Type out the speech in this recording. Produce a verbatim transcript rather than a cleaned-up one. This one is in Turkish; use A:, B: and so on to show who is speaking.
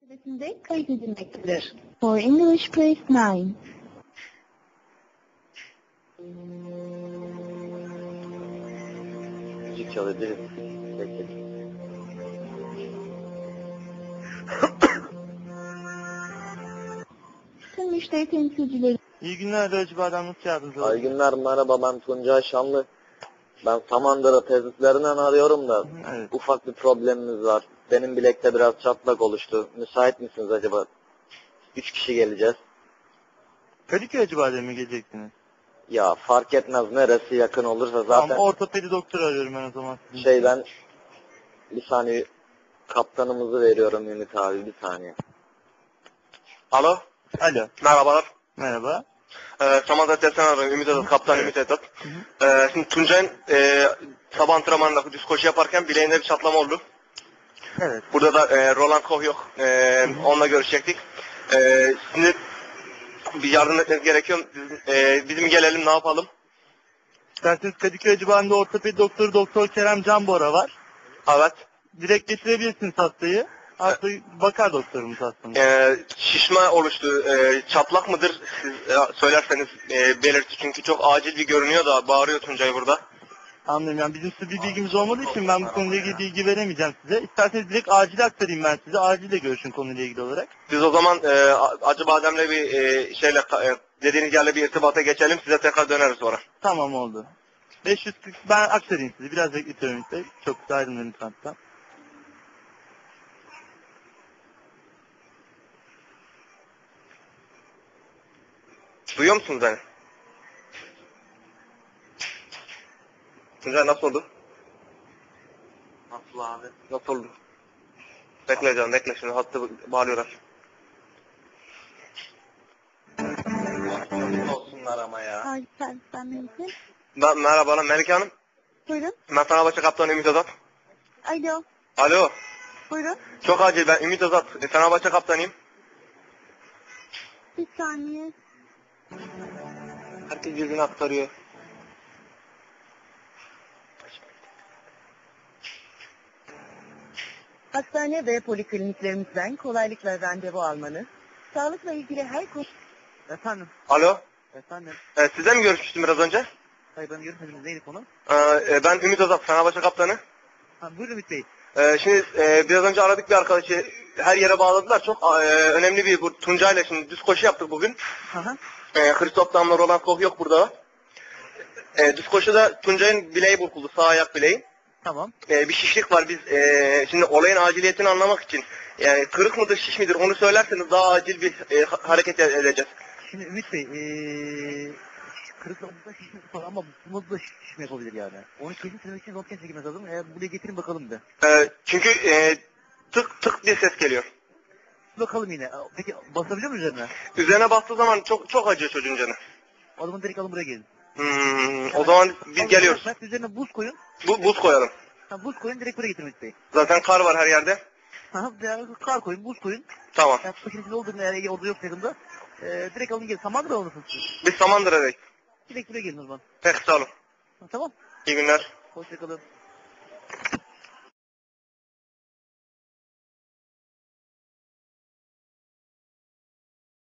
A: Sırasında kayıt edilmektedir. For English Press nine.
B: Müzik çalıyor, değil mi? Peki.
A: Tüm müşteri temsilcileri.
C: İyi günler Recep Adam, nasıl yardımcı
B: İyi
C: olabilirim?
B: günler, merhaba, ben Tuncay Şanlı. Ben Samandıra tesislerinden arıyorum da
C: Evet.
B: ufak bir problemimiz var. Benim bilekte biraz çatlak oluştu. Müsait misiniz acaba? Üç kişi geleceğiz.
C: Kadıköy Recep Adem'e mi geleceksiniz?
B: Ya fark etmez, neresi yakın olursa zaten.
C: Tamam, ortopedi doktoru arıyorum ben o zaman. Sizin
B: Şey
C: için.
B: ben bir saniye kaptanımızı veriyorum Ümit abi, bir saniye.
D: Alo,
C: Alo,
D: merhabalar.
C: merhaba.
D: Ee, Samandıra Testten arıyorum, Ümit Adat, Kaptan
C: Evet.
D: Ümit Adat. Ee, şimdi Tuncay'ın e, sabah antrenmanında düz koşu yaparken bileğinde bir çatlama oldu.
C: Evet.
D: Burada da e, Roland Koch yok, e, onunla görüşecektik. E, şimdi bir yardım etmeniz gerekiyor. Bizim, e, bizim gelelim, ne yapalım?
C: İsterseniz Kadıköy civarında ortopedi doktoru Doktor Kerem Canbora var.
D: Evet.
C: Direkt getirebilirsiniz hastayı. Hasta bakar doktorumuz hastanın.
D: E, şişme oluştu, e, çatlak mıdır? Siz e, söylerseniz e, belirti, çünkü çok acil bir görünüyor da bağırıyor Tuncay burada.
C: Anlıyorum, yani bizim size bir bilgimiz olmadığı için ben bu konuyla ilgili bilgi veremeyeceğim size. İsterseniz direkt acil aktarayım ben size. Acille görüşün konuyla ilgili olarak.
D: Biz o zaman e, Acı Badem'le bir e, şeyle e, dediğiniz yerle bir irtibata geçelim. Size tekrar döneriz sonra.
C: Tamam, oldu. beş yüz kırk ben aktarayım sizi. Biraz bekletiyorum işte. Çok kısa ayrılmayın lütfen.
D: Duyuyor musunuz beni? Tuncay, nasıl oldu?
B: Nasıl abi?
D: Nasıl oldu? Bekle canım, bekle, şimdi hattı bağlıyorlar.
B: Olsunlar ama ya.
A: Ay servisten mümkün.
D: Ben, merhabalar Melike Hanım.
A: Buyurun.
D: Ben Fenerbahçe kaptanı Ümit Azat.
A: Alo.
D: Alo.
A: Buyurun.
D: Çok acil, ben Ümit Azat. E, Fenerbahçe kaptanıyım.
A: Bir saniye.
D: Herkes birbirini aktarıyor.
E: Hastane ve polikliniklerimizden kolaylıkla randevu almanız, sağlıkla ilgili her konu...
C: Efendim.
D: Alo.
C: Efendim.
D: E, sizle mi görüşmüştüm biraz önce?
C: Hayır, ben görüşmedim. Neydi konu?
D: E, e, ben Ümit Azat, Fenerbahçe kaptanı.
C: Ha, buyurun Ümit Bey.
D: Ee, şimdi e, biraz önce aradık bir arkadaşı, her yere bağladılar. Çok e, önemli bir, bu Tuncay'la şimdi düz koşu yaptık bugün.
C: Aha.
D: E, Christoph Damla, Roland Koch yok burada. E, düz koşuda Tuncay'ın bileği burkuldu, sağ ayak bileği.
C: Tamam.
D: E, bir şişlik var, biz e, şimdi olayın aciliyetini anlamak için, yani kırık mıdır, şiş midir, onu söylerseniz daha acil bir e, ha- hareket edeceğiz.
C: Şimdi Ümit Bey, ee, kırıklarımızda şişmesi falan ama bunda da şişme yapabilir yani. Onu kesin söylemek için röntgen çekilmesi lazım. Eğer buraya getirin bakalım bir.
D: E, çünkü e, tık tık diye ses geliyor.
C: Bakalım yine. Peki basabiliyor muyuz üzerine?
D: Üzerine bastığı zaman çok çok acıyor çocuğun canı.
C: O zaman direkt alın buraya gelin.
D: Hmm, o zaman biz
C: Alın,
D: geliyoruz.
C: bırak, üzerine buz koyun.
D: Bu, buz koyalım.
C: Ha, buz koyun, direkt buraya getirin Ümit Bey.
D: Zaten kar var her yerde.
C: Ha, veya kar koyun, buz koyun.
D: Tamam.
C: Yani paketin içinde olduğunu eğer orada yok yakında. Ee, direkt alın gelin. Samandıra alırsınız siz.
D: Biz Samandıra'dayız.
C: Direkt buraya gelin o zaman.
D: Peki, sağ olun.
C: Ha, tamam.
D: İyi günler.
C: Hoşçakalın.